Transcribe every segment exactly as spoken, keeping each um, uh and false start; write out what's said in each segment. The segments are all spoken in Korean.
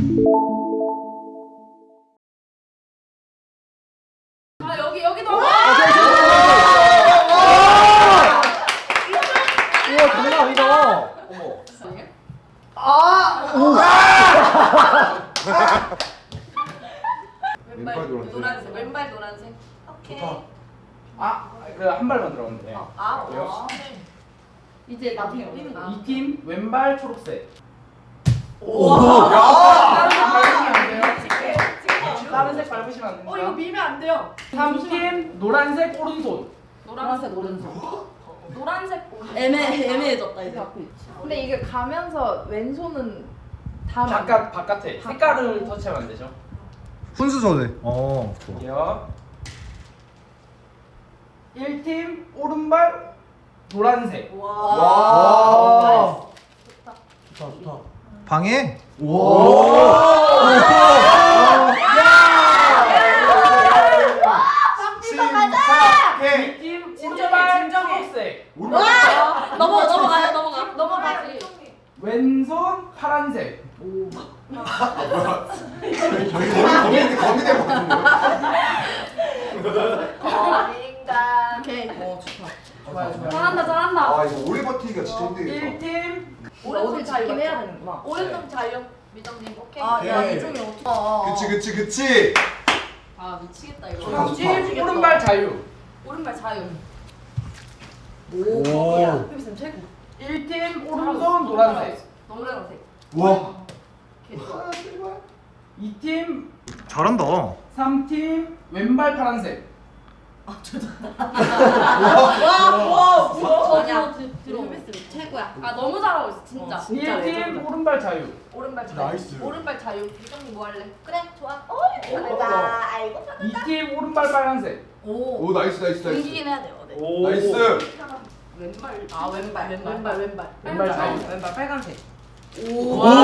아 여기 여기도. 우와 장난 아니다. 어머. 아. 왼발 노란색. 노란색. 왼발 노란색. 오케이. 아, 그 한 발만 들어가면 돼. 어, 아, 그래요? 어. 이제 나중에 뛰는 거. 이 팀 왼발 초록색. 오. 다른 색 밟으시면 안 돼요. 다른 색 밟으시면 안 됩니다. 어 이거 밀면 안 돼요. 삼 팀 노란색 오른손. 노란색 오른손. 노란색 오른손. 애매 애매해졌다 이제. 근데 이게 가면서 왼손은 다 바깥 바깥에 색깔을 터치하면 안 되죠. 훈수전에. 어, 좋아. 이요. 일 팀 오른발 노란색. 와. 와. 좋다. 좋다, 좋다. 방해? 이 팀 오른발 초록색. 와. 넘어 넘어가요 넘어가. 넘어가지. 왼손 파란색. 거미 거미대 먹는 거야? 아닌가. 오케이. 어 좋다. 좋아요, 좋아요. 잘한다 잘한다. 아 이거 오래 버티기가 진짜 힘들겠다. 일 팀 오른손 자유 잡긴 해야 맞죠? 되는구나. 오른손 자유. 미정님 오케이. 아야 오케이. 이중에 어떻게? 어, 어. 그치 그치 그치. 아 미치겠다 이거. 좋다, 좋다. 삼 팀 오른발 자유. 오른발 자유. 오. 휘비쌤 최고. 일 팀 오른손 노란색. 노란색. 와. 개 좋아. 이 팀 잘한다. 삼 팀 왼발 파란색. 와와 저 아니야. 들어, 들어. 들어. 휘비쌤 최고야. 아 너무 잘하고 있어 진짜. 어, 진짜 일 팀 레전드다. 오른발 자유. 오른발 자유. 나이스. 오른발 자유. 미정님 뭐 할래? 그래 좋아. 어 잘한다. 아이고 이 팀 오른발 빨간색. 오. 오 나이스 나이스 나이스. 움직이긴 해야 돼요. 네. 오. 나이스. 왼발. 아 왼발 왼발 왼발 왼발 왼발 자유. 왼발 빨간색. 오. 와.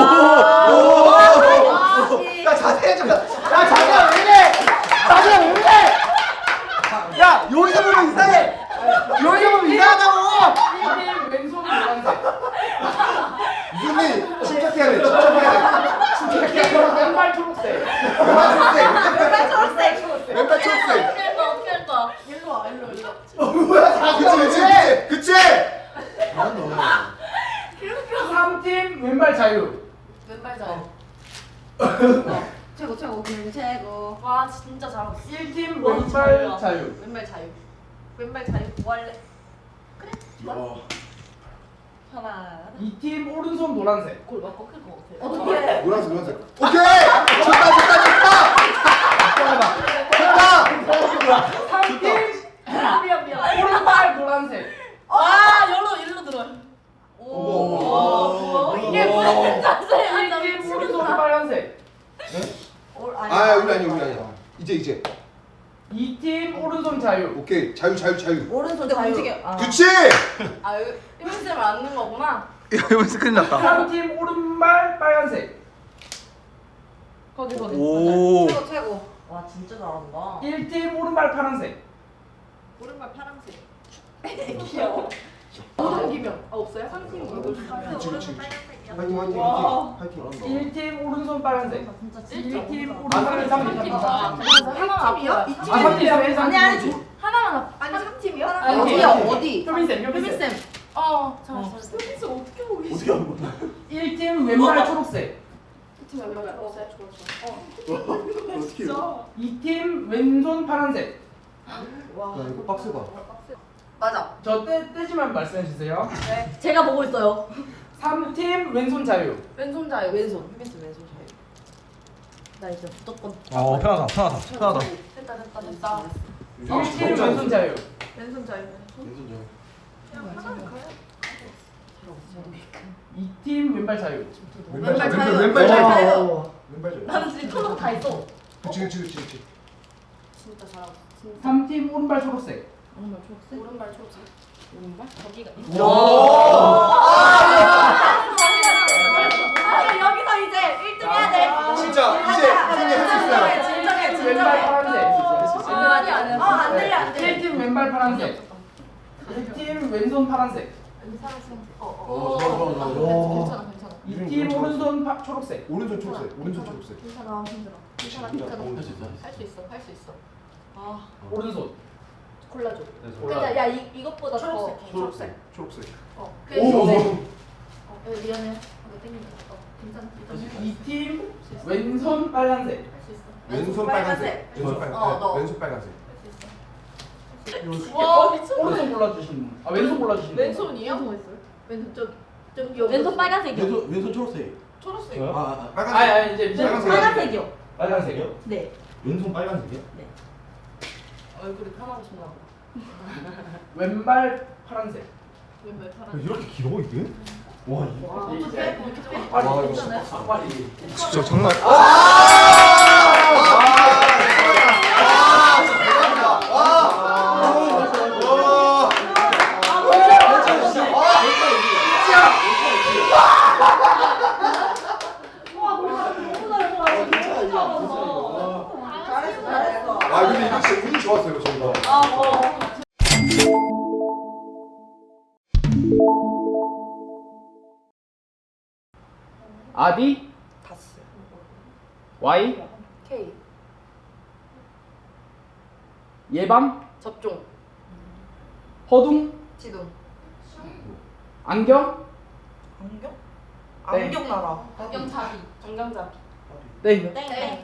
야 자세히 좀. 야 자세가 왜 이래? 자세가 왜 이래? 야 여기서 보면 이상해. 여기서 보면 이상하다고. 일 팀 왼손 노란색. 이준이 침착해야 돼. 침착해야 돼. 왼발 초록색. 왼발 초록색. 왼발 초록색. 왼발 초록색. 어떻게 할 거야 어떻게 할 거야. 일로 와 일로 일로. 어 뭐야? 그치 그치 그치. 삼 팀 왼발 자유. 왼발 자유. 최고 최고 그냥 최고. 와 진짜 잘하고 있어. 일 팀 와, 왼발 잘한다. 자유. 왼발 자유. 왼발 자유 뭐 할래? 하나. 이 팀 오른손 노란색. 골 맞고 클것 같아. 어떻게? 노란색 노란색. 오케이. 좋다 좋다 좋다. 좋다. 삼 팀 아, 미안 미안. 오른발 노란색. 와 일로 일로 들어. 오. 이게 무슨 자세야? 일 팀 오른손 빨간색. 아 우리 아니야 우리 아니야. 이제 이제. 이 팀 오른손 자유. 오케이 자유 자유 자유. 오른손 자유. 움직여. 아. 그치. 아 이거 힘을 안는 거구나. 이거 스크린 났다. 삼 팀 오른발 빨간색. 거기 거기. 오. 최고 최고. 와 진짜 잘한다. 일 팀 오른발 파란색. 오른발 파란색. 귀여워. 오른 기명. 아 없어요? 상팀 오른 기명. 그치 그치. 파이팅 파이팅 와. 파이팅. 일 팀 오른손 빨간색. 진짜 일 팀 아, 오른발 삼 삼 팀. 팀. 아, 아, 팀이요? 이 삼 팀. 아니 아니 하나만 아니 삼 팀이요? 아니, 어디야 오케이. 어디? 효빈쌤 효빈쌤. 휘비쌤. 어 잘했어 잘했어. 여기서 어떻게 보고 계시? 어떻게 하는 거야? 일 팀 왼발 초록색. 팀 왼발 어 좋아 좋아. 어. 어떻게 해요? 이 팀 왼손 파란색. 와. 야 이거 빡세다. 맞아. 저 떼, 떼지만 말씀해 주세요. 네. 제가 보고 있어요. 삼 팀 왼손 자유. 왼손 자유. 왼손. 휘비쌤 왼손 자유. 나 이제 무조건. 어 편하다 편하다 편하다. 됐다 됐다 됐다. 일 팀 왼손 자유. 왼손 자유. 왼손 자유. 이 팀 왼발 자유. 왼발 자유. 왼발 왼발 자유. 자유. 왼발 자유. 나는 지금 컬러가 다 있어. 그치 그치 그치 그치. 진짜 잘하고. 진짜. 삼 팀 오른발 초록색. 오른발 초록색. 오른발 초록색. 오른발? 거기가. 아니 여기서 이제 일 등 해야 돼. 진짜 이제 이준이 할 수 있어요. 진정해 왼발 진정해. 파란색. 아니 아니. 어, 안 들려, 안 들려. 일 팀 왼발 파란색. 일 팀 왼손 파란색. 사랑스러워. 어 어, 어. 좋아, 좋아, 좋아, 좋아. 괜찮아 괜찮아. 이 팀 오른손 파, 초록색. 오른손 초록색. 오른손 초록색. 괜찮아 힘들어. 괜찮아 힘들어. 할 수 있어 할 수 있어. 아 오른손. 골라줘. 골라. 근데 야 이, 이것보다 더 초록색. 초록색. 초록색. 어. 오. 오. 어, 미안해. 이거 땡긴다. 어, 괜찮아. 일단 해. 이 팀 왼손 빨간색. 할수 있어. 왼손 빨간색. 왼손 빨간색. 어, 너. 왼손 빨간색. 할수 있어. 와 미쳤다. 오른손 골라주시는 분. 아 왼손 골라주시는 분. 왼손이요? 왼손 있어요? 왼손 저기 저기 여기. 왼손 빨간색이요. 왼손 왼손 초록색. 초록색. 저요? 아, 아 빨간색. 아니 아니 이제 이제 빨간색. 빨간색이요. 빨간색이요? 네. 왼손 빨간색이야? 얼굴이 편하고 싶나 봐. 왼발 파란색. 왼발 파란. 이렇게 길어 이게? 와 이거. 와 어떡해? 뭐 이렇게 좀 빨리. 와, 이거 괜찮아요? 빨리. 진짜 장난. 아 근데 이거 진짜 운이 좋았어요 저희가. 아디 다스. Y K. 예방 접종. 허둥 지동. 안경 안경? 네. 안경 나라. 안경잡이. 안경잡이. 땡 땡.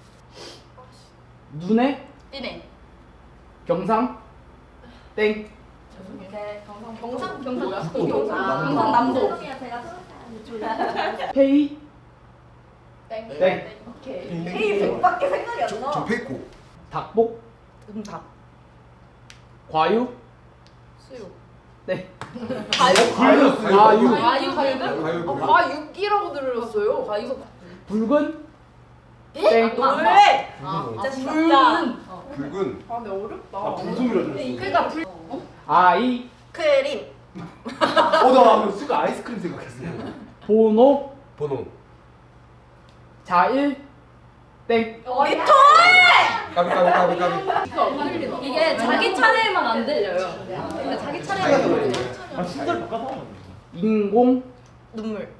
눈에 띠네. 경상 땡 네. 경상 경상? 경상 뭐야? 경상. 아, 경상남도. 죄송해요 제가 페이 땡. 땡. 오케이. K 백밖에 생각이 안 저, 나. 저 페이코. 닭복 음답. 과육 수육. 땡 과육. 과육 과육 과육 과육. 과육. 과육이라고 들었어요. 과육. 붉은 예? 땡 노래. 아, 진짜 진짜. 붉은. 아 근데 어렵다. 아 붉은이라 들었어 그러니까 불. 아이 크림. 어나 순간 아이스크림 생각했어. 번호 번호. 자일 땡 리토. 까비 까비 까비 까비. 이게 자기 차례만 안 들려요. 근데 자기 차례만 들려요. 아 진짜 바꿔봐. 인공 눈물.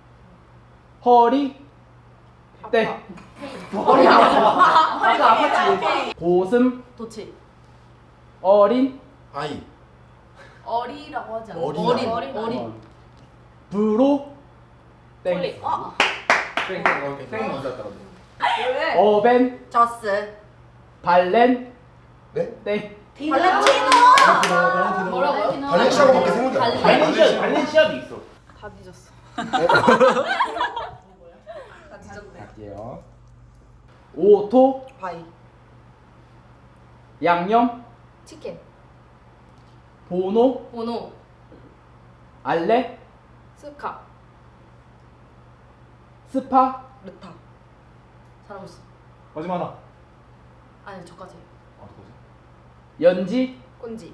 허리 땡 머리 아파. 허리가 아팠지. 고슴 도치. 어린 아이. 어리라고 하지 않아? 어린. 어린. 어린. 어린. 브로 땡 폴리. 어. 땡땡 먼저 왔다. 왜? 어벤 저스. 발렌 네? 땡 발렌티노. 뭐라고요? 발렌시아가밖에 생각이 안 나. 발렌시아 발렌시아도 있어 다 뒤졌어. 다 뒤졌네. 갈게요 오토 바이. 양념 치킨. 보노 보노. 알레 스카. 스파 르타. 잘하고 있어. 마지막 하나 아니 저까지. 연지 꼰지.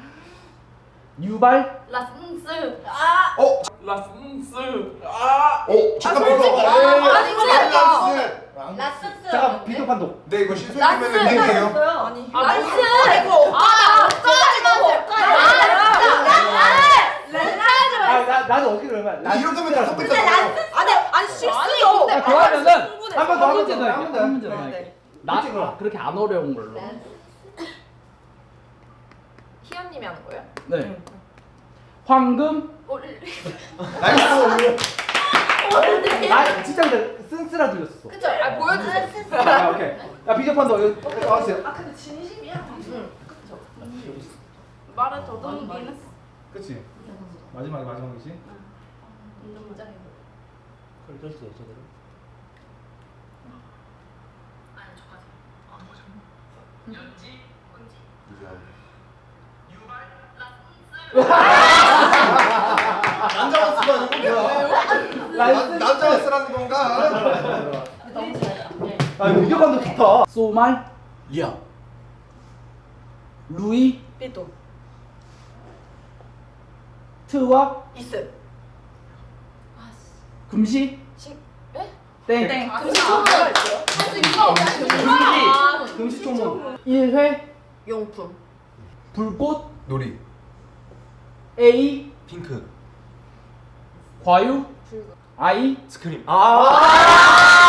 유발 라슨스. 아. 어? 라슨스 어? 잠깐만 솔직히. 이거. 아, 아니, 란스. 라슨스. 잠깐 비교 판독 네 이거 실수하면은 땡이에요. 아니. 란스. 이거 아, 아 나, 나도 어떻게 그러면 이런 거면 다 똑같잖아요. 아니 아니 실수요. 아, 그러면은 충분해. 한 번 더 한 문제 더 한 할게 번 더. 한 문제 더 네, 할게 네. 나 그렇게 안 어려운 걸로 희연님이 하는 거예요? 네 황금 어, 나이스. 아 진짜 근데 쓴쓰라 들렸어 그쵸? 아 보여주세요. 아 오케이 야 비교 판독 여기 나와주세요 아 근데 진심이야. 응. 그쵸. 말을 더듬기는 했어. 그치 마지막에 마지막이지 완전 무장해. 그걸 떴어요 제대로. 남자가 쓰라는 건 뭐야? 남자가 쓰라는 건가? 너무 잘했다. 아 비교 판독 좋다 소말 이야. 루이 삐또. 트와 이스. 금시 시. 땡 땡. 아, 금시 그냥 초문가 있어요? 할수 있어. 금시 금시초문 일 회 용품. 불꽃 놀이. A 핑크. 과유 아이 스크림. 아.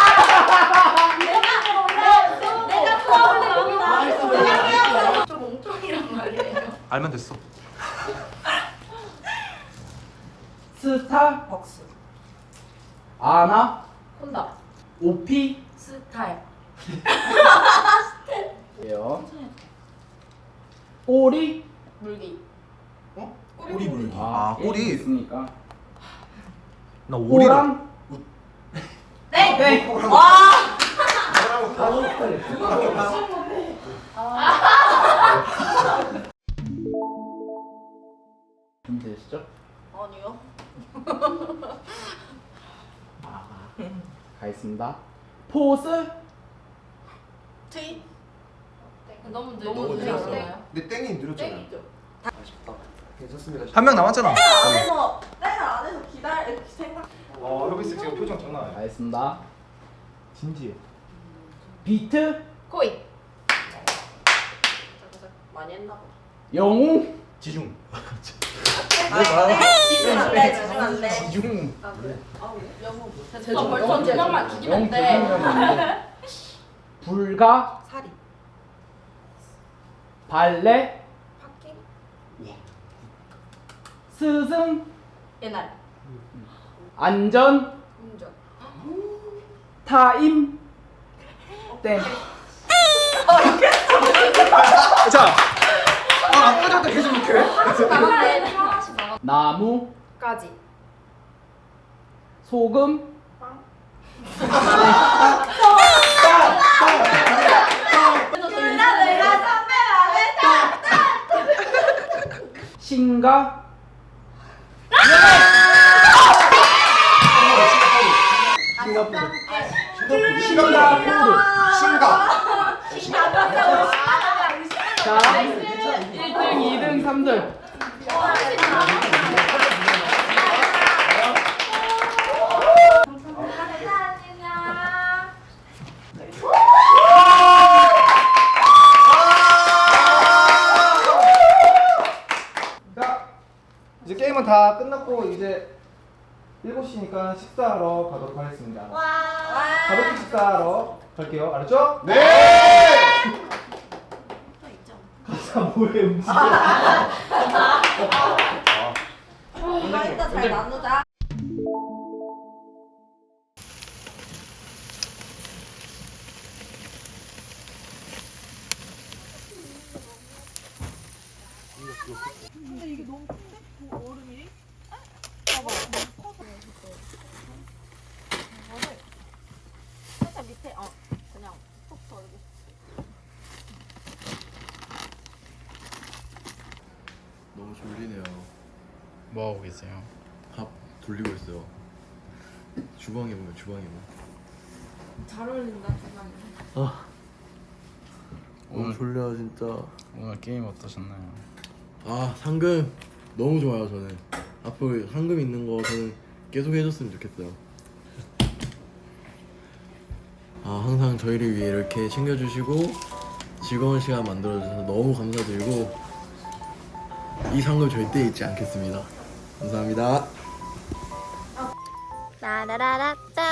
내가 수업을 여기다. 좀 멍청이란 말이에요. 알면 됐어. 스타벅스 아나 혼다. 오피 스타일. 예요. 오리 물기. 꼬리 물기. 아 아 꼬리. 있으니까 나 오리라. 오랑 땡. 땡. 와. 준비되시죠? 아니요. 가겠습니다. 포스 트윗. 너무 느 너무 느렸어요. 근데 땡이 느렸잖아요. 땡이죠. 아쉽다. 괜찮습니다. 한 명 남았잖아. 안에서 땡 안에서 기다려 생각. 어 여기 있어 지금 표정 장난 아니야. 가겠습니다. 진지해. 비트 코인. 많이 했나 봐. 영웅 지중. 지중 안 돼. 지중 안 돼. 지중. 아 그래? 아 그래? 영어 제주. 아, 벌써 두 명만 죽이면 영웅 돼. 두명인데 불가 사리. 발레 파킹. 스승 옛날. 안전 운전. 타임 땡. 자. 아 아까 전에 계속 이렇게. 나갔네. 하나씩 나갔. 나무 까지. 소금 둘다 내가 선배 안 했다. 신가 싱가포르 싱가. 자 일 등 이 등 삼 등 자 이제 게임은 다 끝났고 이제 일곱 시니까 식사하러 가도록 하겠습니다. 가볍게 식사하러 갈게요. 알았죠? 네. 가사 뭐해 움직여. 이거 이따 잘 나누자. 살짝 밑에 어 그냥 푹 덜고. 너무 졸리네요. 뭐 하고 계세요? 밥 돌리고 있어요. 주방에 보면 주방에 보면. 잘 어울린다 주방이. 아 너무 오늘- 졸려 진짜. 오늘 게임 어떠셨나요? 아 상금 너무 좋아요 저는. 앞으로 상금 있는 거 저는 계속 해줬으면 좋겠어요. 아 항상 저희를 위해 이렇게 챙겨주시고 즐거운 시간 만들어주셔서 너무 감사드리고 이 상금 절대 잊지 않겠습니다. 감사합니다. 라라라라따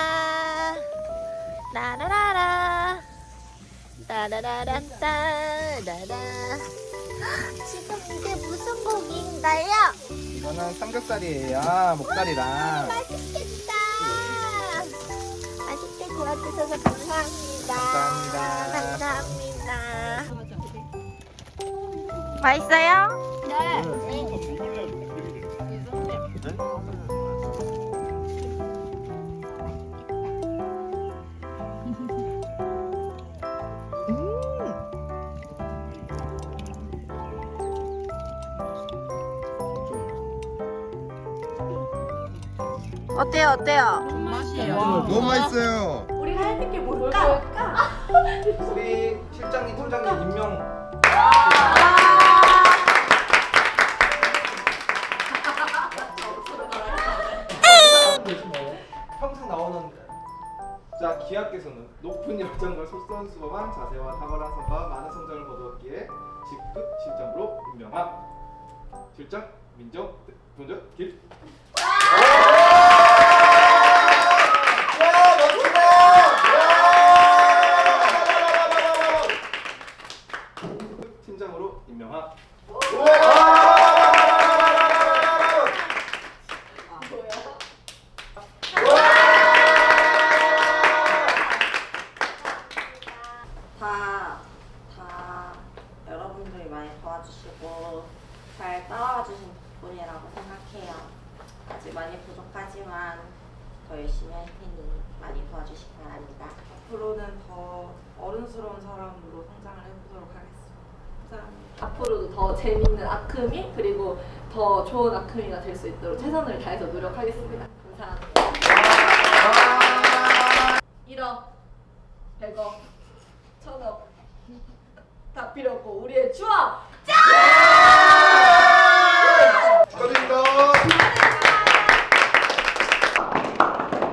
라라라라 라라라라따 라라. 지금 이게 무슨 고기인가요? 이거는 삼겹살이에요. 목살이랑. 맛있겠다. 맛있게 구워주셔서 감사합니다. 감사합니다. 감사합니다. 맛있어요? 네. 어때요? 어때요? 맛이에요. 너무 맛있어요. 우리가 해줄 게 뭘까? 우리 실장님, 팀장님 임명. 평생 나오는 자 기하께서는 높은 열정과 솔선수범한 자세와 탁월한 성과 많은 성장을 거두었기에 직급 실장으로 임명함. 실장 민정 본적 길. 많이 도와주시기 바랍니다. 앞으로는 더 어른스러운 사람으로 성장을 해보도록 하겠습니다. 감사합니다. 앞으로도 더 재밌는 아크미 그리고 더 좋은 아크미가 될 수 있도록 최선을 다해서 노력하겠습니다. 감사합니다.